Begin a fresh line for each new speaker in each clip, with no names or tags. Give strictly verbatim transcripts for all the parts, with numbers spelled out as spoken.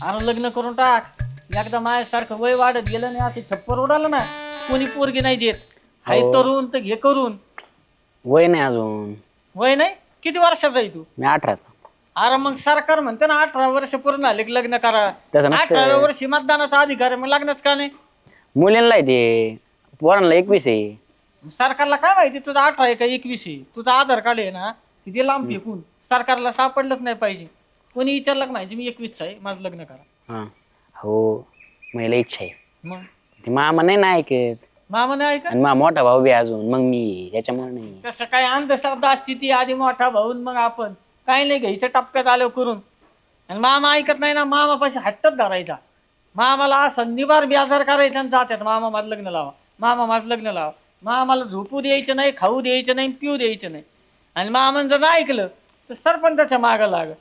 अरे लग्न करून टाक. एकदा माझ्यासारखं वय वाढत गेलं नाही असे छप्पर उडालं ना कोणी पोरगी नाही देत. हाय तरुण तर घे करून.
वय नाही अजून.
वय नाही किती वर्षाचा आहे तू?
मी अठरा.
अरे मग सरकार म्हणते ना अठरा वर्ष पूर्ण झाले की लग्न करा.
तसं नसतं.
अठराव्या वर्षी मतदानाचा अधिकार आहे मग लग्नच का नाही?
मुलींना आहे ते, पोरांना एकवीस आहे.
सरकारला काय माहिती तुझा अठरा आहे का एकवीस आहे? तुझा आधार कार्ड आहे ना तिथे लांब फेकून सरकारला सापडलंच नाही पाहिजे. कोणी विचारलं का माहिती मी एकवीस आहे माझं लग्न करा.
हा हो मला इच्छा आहे.
मग
ते मामा नाही ना ऐकत.
मामा नाही ऐका.
आणि मा मोठा भाऊ बी अजून मग मी याच्यामुळे नाही.
तसं काय अंधश्रद्धा असते ती आधी मोठा भाऊन मग आपण काही नाही घ्यायचं टप्प्यात आलो करून. आणि मामा ऐकत नाही ना मामापाशी हट्टच धरायचा. मामाला असं निबार बेजार करायचं आणि जात्यात मामा माझं लग्न लावा मामा माझं लग्न लावा. मामाला झोपू द्यायचं नाही खाऊ द्यायचं नाही पिऊ द्यायचं नाही. आणि मामानं जर नाही ऐकलं तर सरपंचाच्या मागं लाग.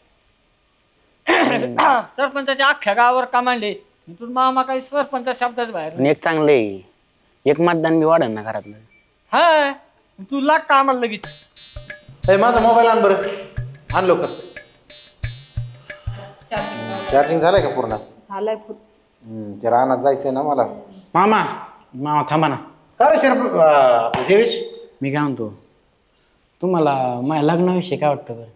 सरपंचाच्या अख्ख्या गावावर कमांडे तुझ मामा काही सरपंच शब्दाच बाहेर.
आणि एक चांगलं आहे, एक मतदान बी वाढन ना घरातलं.
हा तू लाग का आम्हाला लगेच.
हे माझा मोबाईल आण बरं, आण लवकर. चार्जिंग झालंय का पूर्ण?
झालाय.
हम्म, ते रानात जायचंय ना मला.
मामा मामा थांबा ना.
का रे शरप आपलं देवेश?
मी काय म्हणतो, तुम्हाला माझ्या लग्नाविषयी काय वाटतं बरं?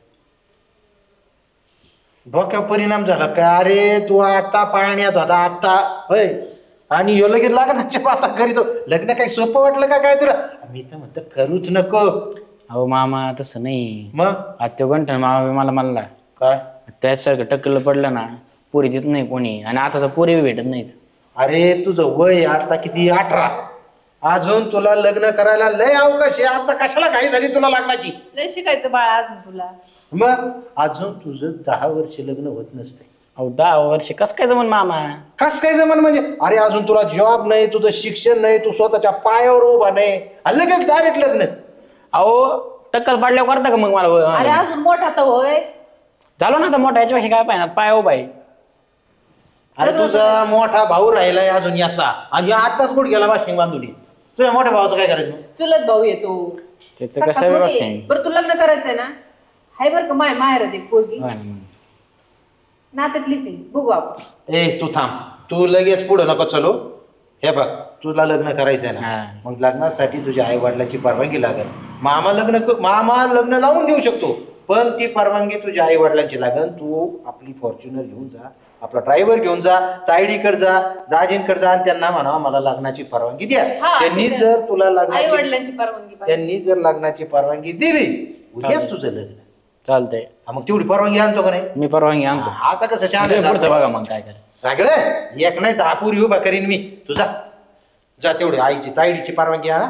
डोक्यावर परिणाम झाला का? अरे तू आता पाळण्यात होता आता होय आणि ह्यो लगेच लग्नाच्या आता करीतो. लग्न काही सोपं वाटलं का काय तुला? मी तर म्हणतो करूच नको.
अहो मामा तसं नाही.
मग
आत्यो गंठन मामा मला म्हणला
काय?
त्याच्यासारखं टक्कल पडलं ना पोरी देत नाही कोणी. आणि आता तर पोरी भेटत नाहीत.
अरे तुझं वय आता किती? अठरा. अजून तुला लग्न करायला लय अवकाश आहे. आता कशाला घाई झाली तुला लग्नाची?
लय शिकायचं बाळा अजून तुला.
मग अजून तुझं दहा वर्ष लग्न होत नसते.
अहो दहा वर्ष कस काय जमन मामा?
कस काय जमन म्हणजे? अरे अजून तुला जॉब नाही, तुझं शिक्षण नाही, तू स्वतःच्या पायावर उभा नाही आणि लगेच डायरेक्ट लग्न.
अहो टक्कल पाडल्यावर करता का मग मला?
अरे अजून मोठा तर होय.
झालो ना आता मोठा याच्यापेक्षा काय पाहिजे पाय हो बाई.
अरे तुझा मोठा भाऊ राहिलाय अजून याचा आणि ह्यो आताच कुठे गेला वाशिंग बांधुली. तुझ्या मोठ्या भावाचं काय करायचं?
चुलत भाऊ येतो.
त्याचं
सख्खा
कसं
थोडी आहे.
वाटतंय?
बरं तू लग्न करायचंय ना? हाय बरं का माय माहेर दे पोरगी
होय ना मग.
नात्यातलीच आहे. बघू आपण.
ए तू थांब, तू लगेच पुढे नको चलो. हे बघ तुला लग्न करायचंय ना,
हा.
मग लग्नासाठी तुझ्या आई वडिलांची परवानगी लागेल. मामा लग्न क- मामा लग्न लावून देऊ शकतो पण ती परवानगी तुझ्या आई वडिलांची लागेल. तू आपली फॉर्च्युनर घेऊन जा, आपला ड्रायव्हर घेऊन जा, तायडीकडे जा, दाजींकडे जा आणि त्यांना म्हणा मला लग्नाची परवानगी द्या.
हा,
त्यांनी
त्याच्या-
जर तुला
आई
लग्नाची
वडिलांची परवानगी पाहिजे.
त्यांनी जर लग्नाची परवानगी दिली उद्याच तुझं लग्न.
चालतंय.
हा, मग तेवढी परवानगी आणतो का नाही?
मी परवानगी आणतो.
आता कसं शहाणा
पुढचं
आहे
बघा
सारखं.
मग काय करायचं.
सगळं एक नाही दहा पुरी उभा करीन मी. तुझा जा तेवढी आईची ताईडीची परवानगी आणा.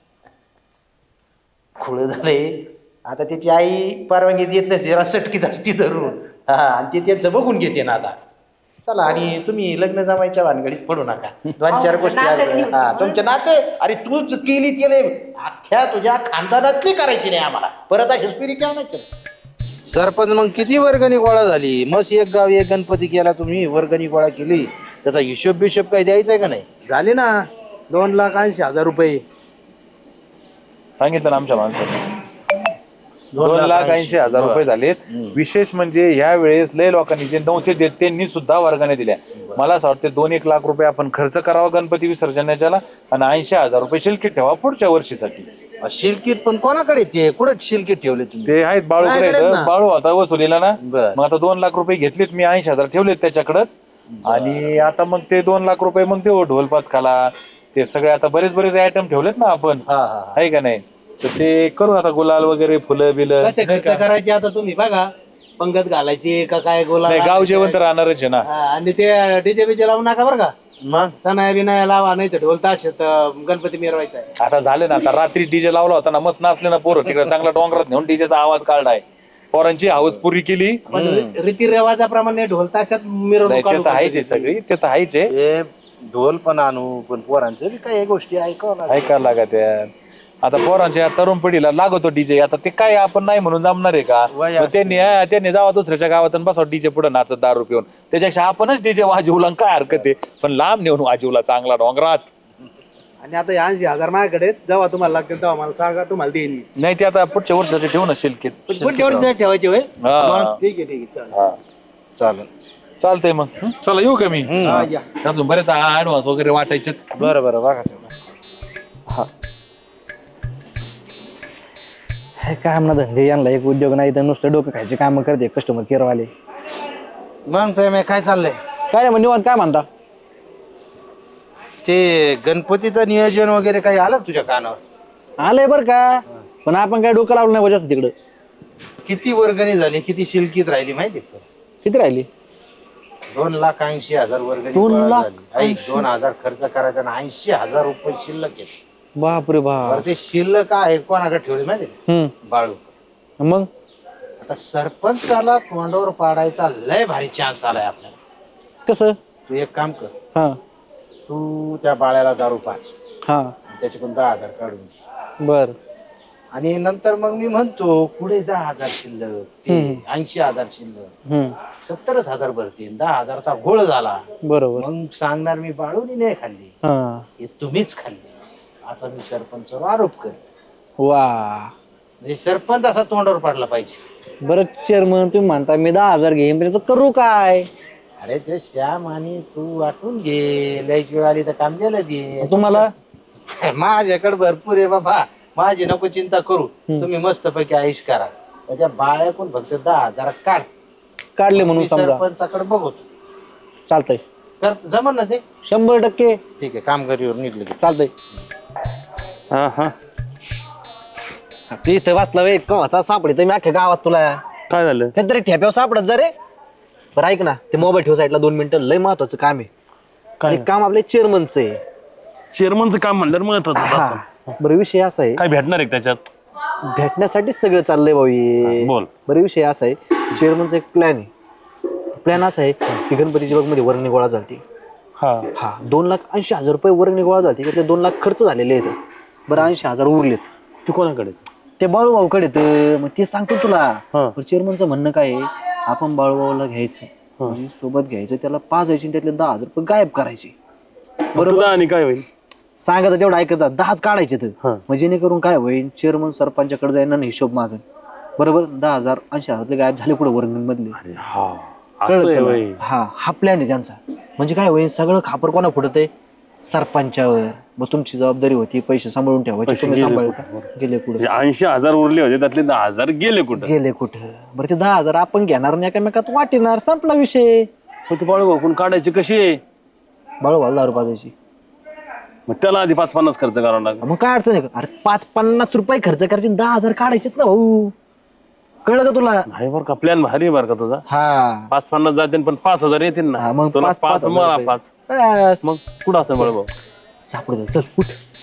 खुळ झाले आता त्याची आई परवानगी देत नसते, जरा सटकीत असती धरून. हा आणि ते त्यांचं बघून घेते ना आता. चला आणि तुम्ही लग्न जमायच्या भानगडीत पडू नका. दोन चार
हो,
गोष्टी
नात्यातली
आहेत. हा
होती.
तुमचे नाते अरे तूच केली त्याला अख्ख्या तुझ्या खानदानातली करायची नाही आम्हाला. परत अशी स्पिरिट आणायचं. सरपंच मग किती वर्गणी गोळा झाली? मस्त एक गाव एक गणपती केला तुम्ही, वर्गणी गोळा केली, त्याचा हिशोब बिशोब काही द्यायचा आहे का नाही?
झाले ना दोन लाख ऐंशी हजार रुपये.
सांगितलं ना आमच्या माणसाने. दोन लाख ऐंशी हजार रुपये झालेत. विशेष म्हणजे ह्या वेळेस लय लोकांनी जे नव्हते देत त्यांनी सुद्धा वर्गाने दिल्या. मला असं वाटतं दोन एक लाख रुपये आपण खर्च करावा गणपती विसर्जनाच्याला आणि ऐंशी हजार रुपये शिल्कीत ठेवा पुढच्या वर्षीसाठी.
शिलकीत पण कोणाकडे ते कुठे शिलकीत ठेवले तुम्ही?
ते आहेत बाळूकडे
माझ्याकडेच
आहेत.
ना.
बाळू होता वसुलीला ना.
बर.
मग आता दोन लाख रुपये घेतलेत मी, ऐंशी हजार ठेवलेत त्याच्याकडेच. आणि आता मग ते दोन लाख रुपये मग देऊ ढोलपात खाला ते सगळे आता बरेच बरेच आयटम ठेवलेत ना आपण,
हा हा
आहे का नाही? तर ते करू आता गुलाल वगैरे फुलं बिलं.
कसे खर्च करायचे आता तुम्ही बघा. पंगत घालायची का काय गोला
नाही गाव जेवण तर राहणारच आहे ना.
हा, आणि ते डीजे बीजे लावू नका बरं का.
मग
सणाया बिनाया लावा नाही तर ढोल ताशेत गणपती मिरवायचा आहे.
आता झाले ना, आता रात्री डीजे लावला होता ना, मस्त नाचले ना पोरं तिकडे, चांगला डोंगरात नेऊन डीजेचा आवाज काढलाय, पोरांची हाऊस पुरी केली.
पण रीती रिवाजाप्रमाणे ढोल ताशात
नाही
मिरवणूक
ते
काढू
तर आहेच आहे सगळी, ते तर आहेच आहे.
हे ढोल पण आणू पण पोरांचं बी काही गोष्टी ऐकावं लागेल.
ऐकायला लागा त्या. आता पोरांच्या तरुण पिढीला लागतो डीजे. आता ते काय आपण नाही म्हणून जमणार आहे का?
वय
मग
असतं.
त्यांनी हा, त्यांनी जावा दुसऱ्याच्या गावात आणि बसावं डीजे पुढे नाचत दारू पिऊन. त्याच्यापेक्षा आपणच डीजे वाजवला काय हरकत आहे, पण लांब नेऊन वाजवला चांगला डोंगरात.
आणि आता ऐंशी हजार माझ्याकडे आहेत. जेव्हा तुम्हाला लागतील तेव्हा मला सांगा, तुम्हाला देईन मी.
नाही ते आता पुढच्या वर्षाचे ठेवू ना शिल्कीत.
पुढच्या वर्षी ठेवायची होय.
हा.
ठीक आहे ठीक आहे चालेल.
हा.
चालेल.
चालतंय मग चला येऊ का मी अजून बरेच ऍडव्हान्स वगैरे वाटायचे.
बरं बरं बघा
हे काय म्हणा धंदे यांना एक उद्योग नाही तर नुसतं डोकं खायचे काम करते कस्टमर केअरवाले.
मग प्रेम आहे, काय चाललंय?
काय नाही म्हणजे काय म्हणता?
ते गणपतीचं नियोजन वगैरे काही आलं का तुझ्या कानावर?
आलंय बरं का, पण आपण काय डोकं लावलं नाही जास्त तिकडं.
किती वर्गणी झाली, किती शिल्कीत राहिली माहिती का?
किती राहिली?
दोन लाख ऐंशी हजार वर्गणी
दोन
गोळा
लाख
झाली. ऐक, दोन हजार खर्च करायचा आणि ऐंशी हजार रुपये शिल्लक आहेत.
बापरे बाप.
बरं, ते शिल्लक आहेत कोणाकडे ठेवले माहिती का?
हम्म.
बाळू.
मग
आता सरपंचाला तोंडावर पाडायचा लय भारी चान्स आलाय आपल्याला.
कसं?
तू एक काम कर,
हा
तू त्या बाळ्याला दारू पाच,
हा
त्याच्याकडून दहा हजार काढून घे.
बर.
आणि नंतर मग मी म्हणतो पुढे दहा हजार शिल्लक, ऐंशी हजार शिल्लक,
हम्म.
सत्तरच हजार भरतील. दहा हजारचा घोळ झाला.
बरोबर.
मग सांगणार मी बाळूनी नाही खाल्ली,
हा.
हे तुम्हीच खाल्ली, असा मी सरपंचावर आरोप कर.
वा.
म्हणजे सरपंच असा तोंडावर पाडला पाहिजे.
बरं चेअरमन तुम्ही म्हणता मी दहा हजार घेईन, त्याचं करू काय?
अरे ते श्याम आणि तू वाटून घे, लयच वेळ आली तर काम गेलं दे.
तुम्हाला
माझ्याकडे भरपूर आहे बाबा, माझी नको चिंता करू. तुम्ही मस्त पैकी आयुष करा. त्याच्या बाळ्याकून फक्त दहा हजार काढ.
काढले म्हणून
मी
समजा.
सरपंचाकडे बघतो.
चालतंय.
कर जमन ना ते?
शंभर टक्के
ठीक आहे, कामगारीवर निघले की.
चालतंय.
हा हा
ते इथं वाचला वे कवाचा सापडे मी अख्ख्या गावात तुला
काय झालं?
काहीतरी ठेप्यावर सापडत जा रे. बरं ऐक ना, ते मोबाईल ठेव साईडला दोन मिनिटं, लय महत्वाचं काम आहे.
काय?
एक काम आपल्या चेअरमनचं आहे.
चेअरमनचं काम म्हणलं महत्वाचं
हा. बरं विषय असा आहे,
काय भेटणार आहे त्याच्यात?
भेटण्यासाठी सगळं चाललंय भाऊ हे.
बोल.
बरं विषय असा आहे, चेअरमनचा एक प्लॅन आहे. प्लॅन असा आहे की गणपतीच्या बाग मध्ये वर्गणी गोळा झाली.
हा
हा दोन लाख ऐंशी हजार रुपये वर्गणी गोळा झाली. त्यातले दोन लाख खर्च झालेले आहेत. बरं ऐंशी हजार उरलेत.
ते कोणाकडे?
ते बाळूभाऊकडे येतं. मग ते सांगतो तुला.
हा.
पण चेअरमनचं म्हणणं काय आहे, आपण बाळूभाऊला घ्यायचं म्हणजे सोबत घ्यायचं, त्याला पाच यायचे त्यातले दहा हजार रुपये गायब करायचे.
बरोबर. आणि काय होईल?
सांगा तर तेवढं ऐकायचं, दहाच काढायचे तर.
हा.
मग जेणेकरून काय होईल, चेअरमन सरपंचाकडे जाईन आणि हिशोब मागेल. बरोबर. दहा हजार ऐंशी हजारातले गायब झाले पुढे वर्गणीमधले.
हा
कळलं
असं आहे
तुला?
होय.
हा हा प्लॅन आहे त्यांचा. म्हणजे काय होईल, सगळं खापर कोणा फुटत आहे, सरपंचावर. मग तुमची जबाबदारी होती पैसे सांभाळून ठेवायचे,
पैसे
तुम्ही
गेले
सांभाळ
कुठं?
गेले कुठे
म्हणजे ऐंशी हजार उरले होते त्यातले दहा हजार गेले कुठं?
गेले कुठं. बरं ते दहा हजार आपण घेणार नाही, एकामेकात वाटेणार, संपला विषय.
मग ते बाळू भाऊ काढायचे कशी आहे?
बाळूभाऊ दारू पाजायची.
मग त्याला आधी पाच पन्नास खर्च करावा लागेल.
मग काय अडचण आहे का? अरे पाच पन्नास रुपये खर्च करायचे, दहा हजार काढायचेत ना भाऊ. कळलं का तुला?
नाही बरं का, प्लॅन भारी बरं का तुझा.
हा
पाच पन्नास जातील पण पाच हजार येतील
हा,
ना.
मग
तुला
पाच-
पाच
पाच हजार
मला
रुपये.
पाच.
बस.
मग कुठं असेल बाळू भाऊ?
सापडू चल उठ.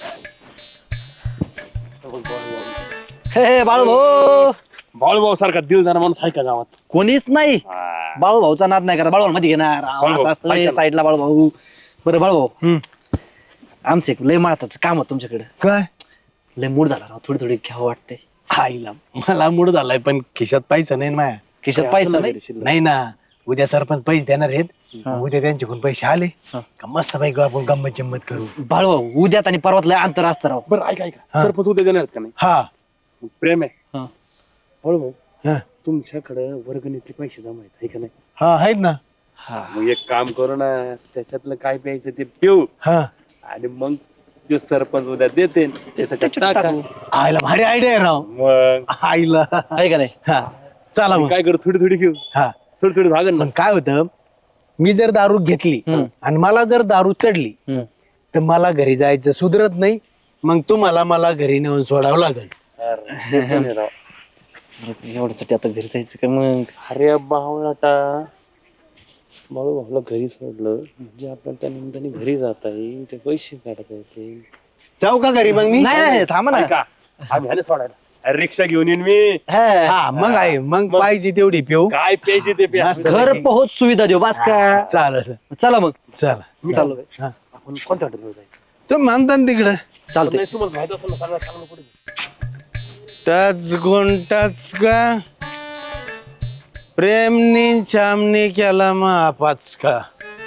हे बाळू भाऊ
बाळू भाऊ सारखा दिलदार माणूस आहे का गावात?
कोणीच नाही. बाळू भाऊचा नाद नाही करा. बाळू मध्ये घेणार असं असतं साईडला बाळू भाऊ. बरं बाळू भाऊ, आमचं एक लय माळताचं काम होतं तुमच्याकडे.
काय
लय मूड झाला राव, थोडी थोडी घ्यावं वाटतंय.
आईला मला मूड झालाय, पण खिशात पैसा नाही ना माया.
खिशात पैसा नाही.
नाही ना, उद्या सरपंच पैसे देणार आहेत. उद्या त्यांच्याकडून पैसे आले का मस्त पैकी आपण गंमत जम्मत करू.
बाळू भाऊ उद्यात आणि परवात लय अंतर असतं राव.
बरं ऐका ऐका, सरपंच उद्या देणार आहेत का नाही?
हा
मग प्रेम आहे.
हा.
बाळू भाऊ
हा
तुमच्याकडे वर्गणीतले पैसे जमा आहेत आहे का नाही?
हा आहेत ना.
मग एक काम करू ना, त्याच्यातलं काय प्यायचं ते पिऊ
हा
आणि मग ते सरपंच उद्या देते ते त्याच्यात टाका.
आईला भारी आयडिया आहे राव.
मग
आईला
आहे का नाही?
हा चला मग.
काय करू, थोडी थोडी घेऊ,
हा
थोडी थोडी भागन ना.
पण काय होतं, मी जर दारू घेतली आणि मला जर दारू चढली तर मला घरी जायचं सुधरत नाही. मग तुम्हाला मला घरी नेऊन सोडावं लागेल.
एवढ्यासाठी आता घरी जायचं का मग?
अरे बावळाटा, बाळू भाऊला घरी सोडलं म्हणजे आपण त्या निमित्ताने घरी जाता येईल, ते पैसे काढता येतील.
जाऊ का घरी मग मी?
नाही नाही थांबा ना.
ऐका, आम्ही ह्याने सोडायला अरे रिक्षा घेऊन येईन मी.
हा.
हा मग आहे, मग पाहिजे तेवढी पिऊ.
काय प्यायचे ते प्या.
मस्त.
घर पोहोच सुविधा देऊ बस का?
चालेल
चला मग.
चला
चालू
हा.
आपण कोणत्या हॉटेलवर जायचं?
तुम्ही म्हणता ना तिकडं.
चालतंय.
नाही, तुम्हाला माहित असेल ना सगळं चांगलं कुठे.
टच गुंटाच का प्रेमनी छामनी केला महापाच का,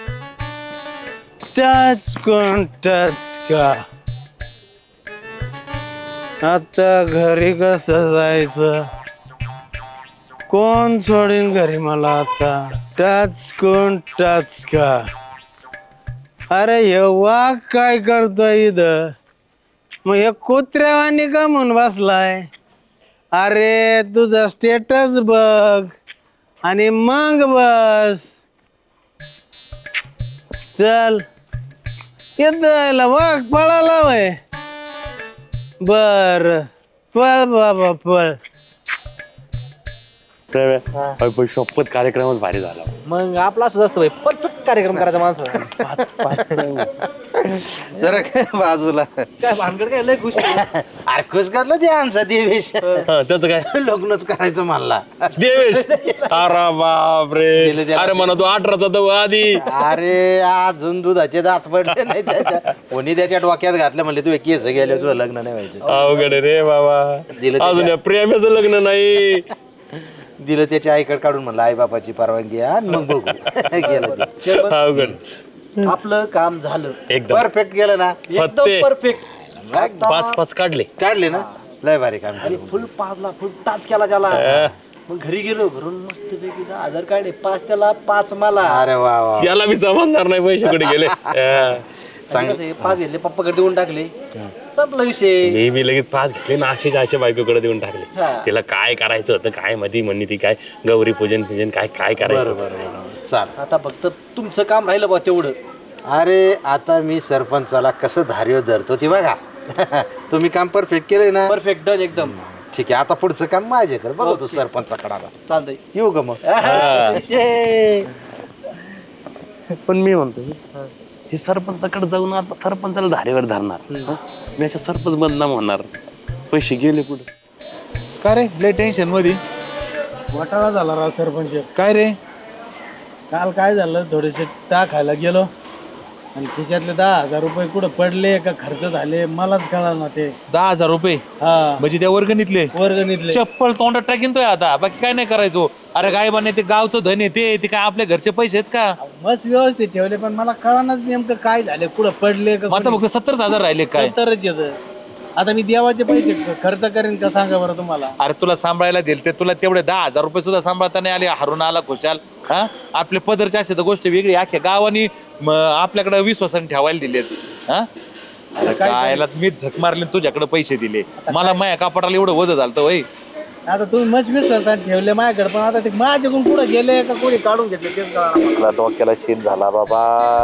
टच गुंटाच का. आता घरी कसं जायचं, कोण सोडीन घरी मला आता? टच कोण टच का? अरे हे वाघ काय करतोय इथं? मग हे कुत्र्यावानी का म्हणून बसलाय? अरे तुझा स्टेटस बघ आणि मग बस. चल येत वाघ पळाला वय. बर पळ बाबा पळ.
शपथ कार्यक्रमच भारी झाला.
मग आपला असंच असतं भाई, परफेक्ट कार्यक्रम करायचा माणसाचा.
जरा काय बाजूला
काय भानगड काय लय खुश आहे.
अरे खुश करलं ते आमचा देवेश
त्याचं काय
लग्नच करायचं म्हणला.
देवेश अरे बापरे.
दिलं त्याला.
अरे म्हणा तू अठराचा तर आधी.
अरे अजून दुधाचे दात पडले नाही त्याच्या. कोणी त्याच्या डोक्यात घातलं म्हणले तू केस गेले तुझं लग्न नाही व्हायचं.
अवघड आहे रे बाबा.
दिलं
अजून
त्याच्या-
या प्रेमाचं लग्न नाही.
दिलं त्याच्या आईकडे काढून म्हणलं आई बापाची परवानगी आहे आणि मग बघू. गेलं ते.
अवघड.
आपलं काम झालं
एकदम
परफेक्ट गेलं ना.
एकदम
फत्ते.
परफेक्ट.
पाच पाच काढले.
काढले ना लय भारी काम
आणि
केलं.
फुल पाचला फुल टाच केला त्याला.
अं,
मग घरी गेलो, घरून मस्त पैकी दहा हजार काढले. पाच त्याला पाच मला.
अरे वा वा
याला मी समजणार नाही पैसे कुठे गेले. अं,
आणि कसं आहे, पाच घेतले पप्पाकडे देऊन टाकले. संपला विषय.
मी मी लगेच पाच घेतले ना असेच अशा बायकोकडे देऊन टाकले.
हा.
तिला काय करायचं होतं काय मधी म्हणली ती काय गौरी पूजन पूजन काय काय करायचं
बरं बरं बरं चाल.
आता फक्त तुमचं काम राहिलं बा तेवढं.
अरे आता मी सरपंचाला कसं धार्य धरतो ती बघा. तुम्ही काम परफेक्ट केलंय ना.
परफेक्ट डन एकदम.
ठीक आहे आता पुढचं काम माझ्याकडे बघ तू सरपंचाकडे आता.
चालतंय.
येऊ ग मग.
विषय.
पण मी म्हणतो हे सरपंचाकडे जाऊन आता सरपंचाला धारेवर धरणार. हं? मी अशा सरपंच बदनाम होणार. पैसे गेले कुठे.
का रे लय टेन्शन मध्ये
घोटाळा झाला राव सरपंच.
काय रे.
काल काय झालं, थोडेसे टाकायला गेलो आणि खिशातले दहा हजार रुपये कुठं पडले का खर्च झाले मलाच कळालं ना ते.
दहा हजार रुपये
हा
म्हणजे त्या वर्गणीतले
वर्गणीतले.
चप्पल तोंडात टाकीन तो आता. बाकी काय नाही करायचो. अरे गायबाने ते गावचं धन आहे ते ते काय आपल्या घरचे पैसे आहेत का.
मस्त व्यवस्थित ठेवले पण मला कळानच नेमकं काय झाले, कुठं पडले का.
मग आता फक्त सत्तरच हजार राहिले काय.
तरच येत. आता मी देवाचे पैसे खर्च करेन का सांगा बरं तुम्हाला.
अरे तुला सांभाळायला दिल ते तुला तेवढे दहा हजार रुपये सुद्धा सांभाळता नाही आले. हरून आला खुशाल. हा आपले पदरचे असे तर गोष्ट वेगळी. अख्ख्या गावानी म, आपल्याकडे विश्वासन ठेवायला दिलेत. हा अरे कायला मी झक मारले तुझ्याकडे पैसे दिले. मला माया कापडाला एवढं वज झालं वय.
आता तुम्ही मस्त विश्वासात ठेवले माझ्याकडे पण आता ते माझ्याकडून कुठं गेले का कोणी काढून घेतले तेच कळालं.
डोक्याला शेत झाला बाबा.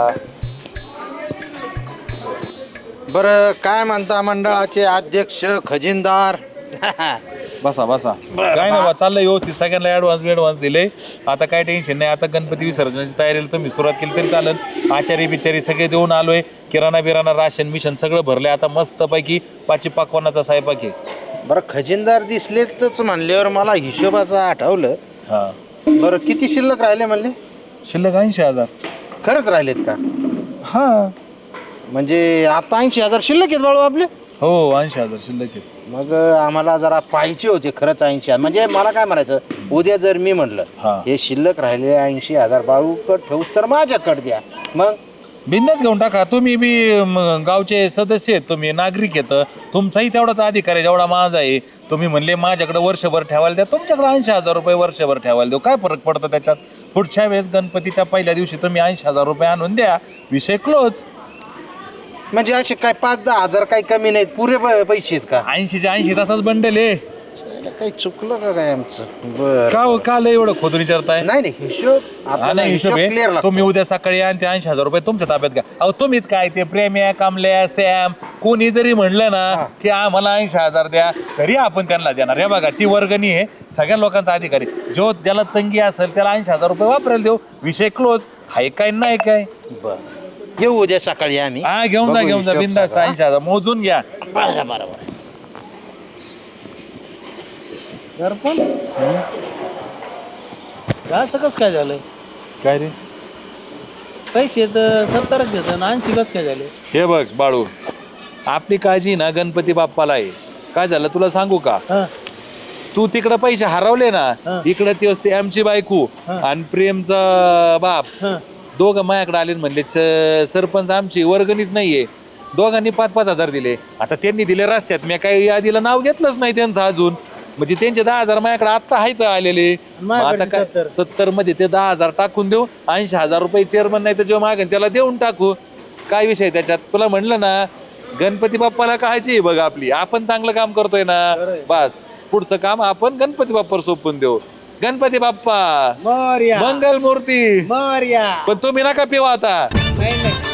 बरं काय म्हणता मंडळाचे अध्यक्ष खजिनदार.
बसा बसा. काय नाही बा चाललंय व्यवस्थित. सगळ्यांना ऍडव्हान्स ऍडव्हान्स दिले. आता काय टेन्शन नाही. आता गणपती विसर्जनाची तयारीला तुम्ही सुरुवात केली तरी चालेल. आचारी बिचारी सगळे देऊन आलोय. किराणा बिराणा राशन मिशन सगळं भरलंय. आता मस्त पैकी पाची पाकवानाचा स्वयंपाक आहे.
बरं खजिनदार दिसलेच म्हणल्यावर मला हिशोबाचं आठवलं.
हा
बरं किती शिल्लक राहिले म्हणले.
शिल्लक ऐंशी हजार.
खरंच राहिलेत का.
हा
म्हणजे आता ऐंशी हजार शिल्लक आहेत बाळू आपले.
हो ऐंशी हजार शिल्लक आहेत.
मग आम्हाला जरा पाहिजे होते खरंच ऐंशी हजार. म्हणजे मला काय म्हणायचं उद्या जर मी म्हणलं
हा.
हे शिल्लक राहिले ऐंशी हजार बाळूकड ठेवूस तर माझ्याकडे द्या. मग
बिंदाच घेऊन टाका. तुम्ही बी म, गावचे सदस्य आहेत. तुम्ही नागरिक आहेत. तुमचाही तेवढाच अधिकार आहे जेवढा माझा आहे. तुम्ही म्हणले माझ्याकडे वर्षभर ठेवायला द्या. तुमच्याकडे ऐंशी हजार रुपये वर्षभर ठेवायला देऊ. काय फरक पडतो त्याच्यात. पुढच्या वेळेस गणपतीच्या पहिल्या दिवशी तुम्ही ऐंशी हजार रुपये आणून द्या. विषय क्लोज.
म्हणजे असे काय पाच दहा हजार काही कमी नाहीत पुरे प- पैसे आहेत का.
ऐंशीच्या ऐंशी तासाच बंडल आहे.
काही चुकलं का काय आमचं. बर
का हो, का लय एवढं खोदून विचारताय.
नाही नाही हिशोब
हा
आपल्याला
नाही हिशोब
हिशोब क्लिअर
आहे.
लागतो.
तुम्ही उद्या सकाळी आणि ते ऐंशी हजार रुपये तुमच्या ताब्यात घ्या. अहो तुम्हीच काय ते प्रेम्या कामल्या सॅम कोणी जरी म्हणलं ना की आम्हाला ऐंशी हजार द्या तरी आपण त्यांना देणार. हे बघा ती वर्गणी आहे सगळ्या लोकांचा अधिकारी. जो त्याला तंगी असेल त्याला ऐंशी हजार रुपये वापरायला देऊ. विषय क्लोज. हाय काय नाही काय.
बर येऊ उद्या सकाळी आम्ही.
हा घेऊन जा
बघू
घेऊन जा
हिशोब
बिंदास.
सगळा.
ऐंशी हजार मोजून घ्या.
बरं बरं बरं.
दर्पण असं कसं काय झालं.
काय रे.
पैसे तर सत्तरच घेत ऐंशी कसं काय झाले.
हे बघ बाळू आपली काळजी ना गणपती बाप्पाला आहे. काय झालं तुला सांगू का.
हा
तू तिकडे पैसे हरवले ना.
हा.
इकडे ते सॅमची बायको
हा.
आणि प्रेमचा बाप
हा
दोघं माझ्याकडे आले म्हणले "स- सरपंच आमची वर्गणीच नाहीये." दोघांनी पाच पाच हजार दिले. आता त्यांनी दिले रस्त्यात. मी काही यादीला नाव घेतलंच नाही त्यांचं अजून. म्हणजे त्यांचे दहा हजार माझ्याकडे आता आहेत आलेले. मग आता काय सत्तर मध्ये ते दहा हजार टाकून देऊ, ऐंशी हजार रुपये चेअरमन नाही तर जेव्हा मागेन त्याला देऊन टाकू. काय विषय त्याच्यात? तुला म्हणलं ना गणपती बाप्पाला काळजी आहे बघ आपली, आपण चांगलं काम करतोय ना, बस पुढचं काम आपण गणपती बाप्पावर सोपून देऊ. गणपती बाप्पा
मोरया
मंगल मूर्ती.
मोरया
पण तुम्ही नका पिऊ आता.
नाही नाही